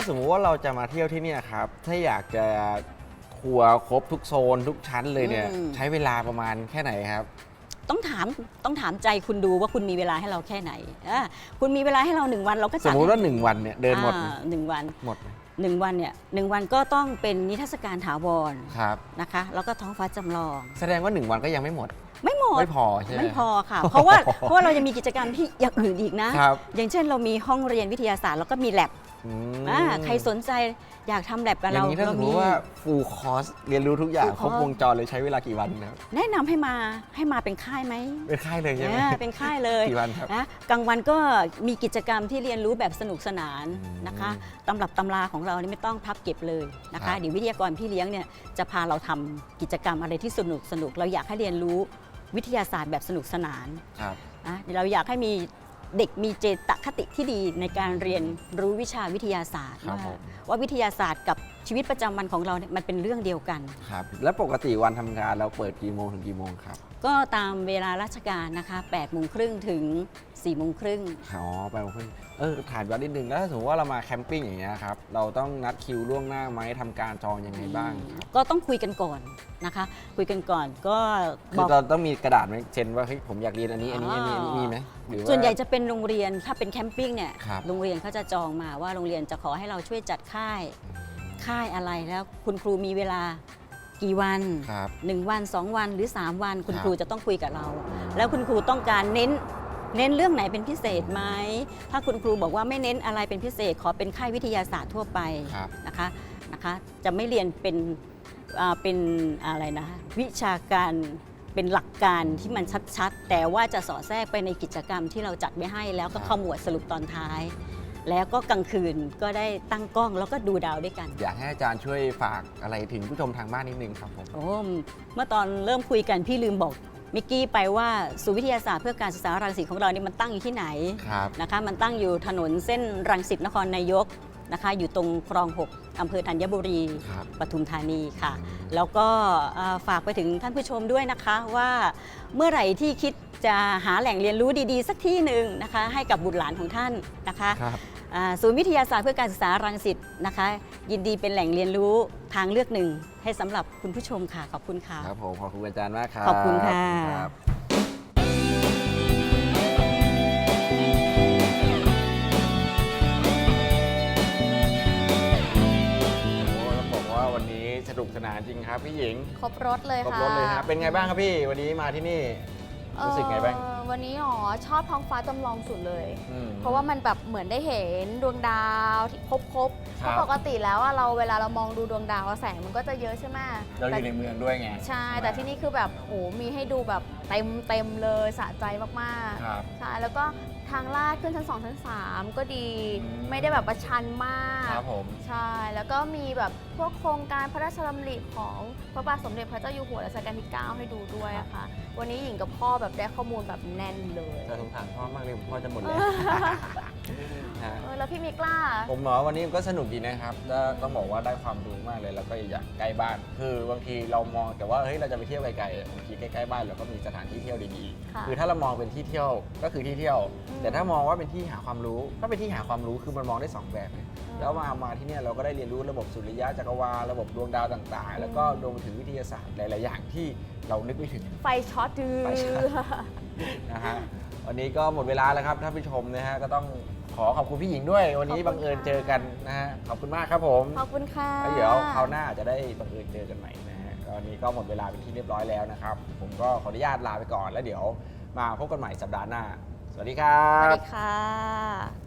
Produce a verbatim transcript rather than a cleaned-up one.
สมมุติว่าเราจะมาเที่ยวที่นี่ครับถ้าอยากจะทัวร์ครบทุกโซนทุกชั้นเลยเนี่ยใช้เวลาประมาณแค่ไหนครับต้องถามต้องถามใจคุณดูว่าคุณมีเวลาให้เราแค่ไหนคุณมีเวลาให้เราหนึ่งวันเราก็สมมติว่าหนึ่งวันเนี่ยเดินหมดหนึ่งวันหมดหนึ่งวันเนี่ยหนึ่งวันก็ต้องเป็นนิทรรศการถาวรครับนะคะแล้วก็ท้องฟ้าจำลองแสดงว่าหนึ่งวันก็ยังไม่หมดไม่หมดไม่พอใช่ไหมไม่พอค่ะเพราะว่าเพราะว่าเรายังมีกิจกรรมที่อย่างอื่นอีกนะอย่างเช่นเรามีห้องเรียนวิทยาศาสตร์แล้วก็มีแลบใครสนใจอยากทำแลบกับเราอย่างนี้ถ้าสมมติว่าฟูลคอร์สเรียนรู้ทุกอย่างครบวงจรเลยใช้เวลากี่วันครับแนะนำให้มาให้มาเป็นค่ายไหมเป็นค่ายเลยใช่ไหมเป็นค่ายเลยกี่วันครับนะกลางวันก็มีกิจกรรมที่เรียนรู้แบบสนุกสนานนะคะตำรับตำราของเรานี่ไม่ต้องพับเก็บเลยนะคะเดี๋ยววิทยากรพี่เลี้ยงเนี่ยจะพาเราทำกิจกรรมอะไรที่สนุกสนุกเราอยากให้เรียนรู้วิทยาศาสตร์แบบสนุกสนานนะเราอยากให้มีเด็กมีเจตคติที่ดีในการเรียนรู้วิชาวิทยาศาสตร์ว่าวิทยาศาสตร์กับชีวิตประจำวันของเราเนี่ยมันเป็นเรื่องเดียวกันครับแล้วปกติวันทำงานเราเปิดกี่โมงถึงกี่โมงครับก็ตามเวลาราชการนะคะแปดโมงครึ่งถึงสี่โมงครึ่งอ๋อแปดโมงครึ่งเออถามย้อนนิดนึงแล้วถ้าสมมติว่าเรามาแคมปิ้งอย่างเงี้ยครับเราต้องนัดคิวล่วงหน้าไหมทำการจองยังไงบ้างครับก็ต้องคุยกันก่อนนะคะคุยกันก่อนก็คือเราต้องมีกระดาษไหมเช่นว่าเฮ้ยผมอยากเรียนอันนี้อันนี้อันนี้มีไหมส่วนใหญ่จะเป็นโรงเรียนถ้าเป็นแคมปิ้งเนี่ยโรงเรียนเขาจะจองมาว่าโรงเรียนจะขอให้เราช่วยจัดค่ายค่ายอะไรแล้วคุณครูมีเวลากี่วันหนึ่งวันสองวันหรือสามวันคุณครูจะต้องคุยกับเราแล้วคุณครูต้องการเน้นเน้นเรื่องไหนเป็นพิเศษไหมถ้าคุณครูบอกว่าไม่เน้นอะไรเป็นพิเศษขอเป็นค่ายวิทยาศาสตร์ทั่วไปนะคะนะคะจะไม่เรียนเป็นเป็นอะไรนะวิชาการเป็นหลักการที่มันชัดๆแต่ว่าจะสอดแทรกไปในกิจกรรมที่เราจัดไว้ให้แล้วก็ขมวดสรุปตอนท้ายแล้วก็กลางคืนก็ได้ตั้งกล้องแล้วก็ดูดาวด้วยกันอยากให้อาจารย์ช่วยฝากอะไรถึงผู้ชมทางบ้านนิดนึงครับผมโอ้เมื่อตอนเริ่มคุยกันพี่ลืมบอกมิกกี้ไปว่าศูนย์วิทยาศาสตร์เพื่อการศึกษารังสิตของเรานี่มันตั้งอยู่ที่ไหนนะคะมันตั้งอยู่ถนนเส้นรังสิตนครนายกนะคะอยู่ตรงคลองหกอำเภอธัญบุรีปทุมธานีค่ะแล้วก็ฝากไปถึงท่านผู้ชมด้วยนะคะว่าเมื่อไหร่ที่คิดจะหาแหล่งเรียนรู้ดีๆสักที่หนึ่งนะคะให้กับบุตรหลานของท่านนะคะศูนย์วิทยาศาสตร์เพื่อการศึกษารังสิตนะคะยินดีเป็นแหล่งเรียนรู้ทางเลือกหนึ่งให้สำหรับคุณผู้ชมค่ะขอบคุณค่ะครับผมขอบคุณอาจารย์มากครับขอบคุณค่ะสนุกสนานจริงครับพี่หญิงครบรถเลยค่ะครบรถเลยครับเป็นไงบ้างครับพี่วันนี้มาที่นี่รู้สึกไงบ้างวันนี้อ๋อชอบท้องฟ้าจำลองสุดเลยเพราะว่ามันแบบเหมือนได้เห็นดวงดาวที่ครบๆเพราะปกติแล้วเราเวลาเรามองดูดวงดาวแสงมันก็จะเยอะใช่ไหมเราอยู่ในเมืองด้วยไงใช่แต่ที่นี่คือแบบโอ้มีให้ดูแบบเต็มเต็มเลยสะใจมากๆใช่แล้วก็ทางลาดขึ้นชั้นสองชั้นสามก็ดีไม่ได้แบบประชันมากครับผมใช่แล้วก็มีแบบพวกโครงการพระราชดำริของพระบาทสมเด็จพระเจ้าอยู่หัวรัชกาลที่เก้าให้ดูด้วยอะค่ะวันนี้หญิงกับพ่อแบบได้ข้อมูลแบบแน่นเลยแต่สงสารพ่อมากเลยพ่อจะหมดแล้วแล้วพี่มิกล่าผมหมอวันนี้ก็สนุกดีนะครับต้องบอกว่าได้ความรู้มากเลยแล้วก็อย่างใกล้บ้านคือบางทีเรามองแต่ว่าเฮ้ยเราจะไปเที่ยวไกลๆบางทีใกล้ๆบ้านเราก็มีสถานที่เที่ยวดีๆคือถ้าเรามองเป็นที่เที่ยวก็คือที่เที่ยวแต่ถ้ามองว่าเป็นที่หาความรู้ก็เป็นที่หาความรู้คือมันมองได้สองแบบแล้วมามาที่นี่เราก็ได้เรียนรู้ระบบสุริยะจักรวาลระบบดวงดาวต่างๆแล้วก็รวมถึงวิทยาศาสตร์หลายๆอย่างที่เรานึกไม่ถึงไฟช็อตดื้อนะฮะวันนี้ก็หมดเวลาแล้วครับท่านผู้ชมนะฮะก็ต้องขอขอบคุณพี่หญิงด้วยวันนี้บังเอิญเจอกันนะฮะขอบคุณมากครับผมขอบคุณค่ะแล้วเดี๋ยวคราวหน้าจะได้บังเอิญเจอกันใหม่นะฮะวันนี้ก็หมดเวลาเป็นที่เรียบร้อยแล้วนะครับผมก็ขออนุญาตลาไปก่อนแล้วเดี๋ยวมาพบกันใหม่สัปดาห์หน้าสวัสดีครับสวัสดีค่ะ